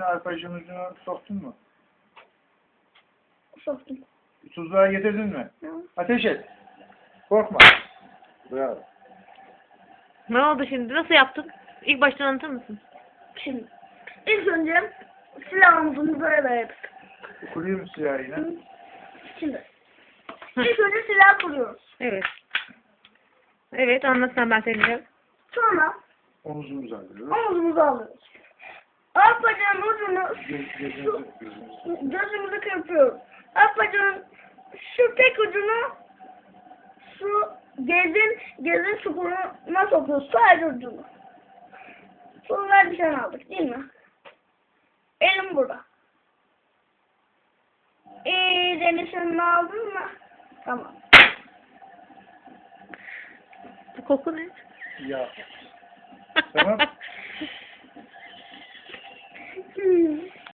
içine arpacığın ucunu soktun mu? Soktum. Tuzluğa getirdin mi? Hı. Ateş et. Korkma. Bravo. Ne oldu şimdi? Nasıl yaptın? İlk baştan anlatır mısın? Şimdi ilk önce silahımızı böyle yaptık. Kuruyor mu silahı yine? Şimdi ilk önce silah kuruyoruz. Evet. Evet, anlatsan ben söyleyeceğim. Sonra Omuzumuzu alıyoruz. omuzumuzu alıyoruz. Alt bacağın ucunu Gözümüzü. gözümüzü kırpıyoruz. Alt bacağın şu tek ucunu şu gezin çukuruna sokuyoruz. Sadece ucunu. Sonra nişan aldık değil mi? Elim burada. İyice nişanını aldın mı? Tamam. Bu koku ne? Ya. Tamam.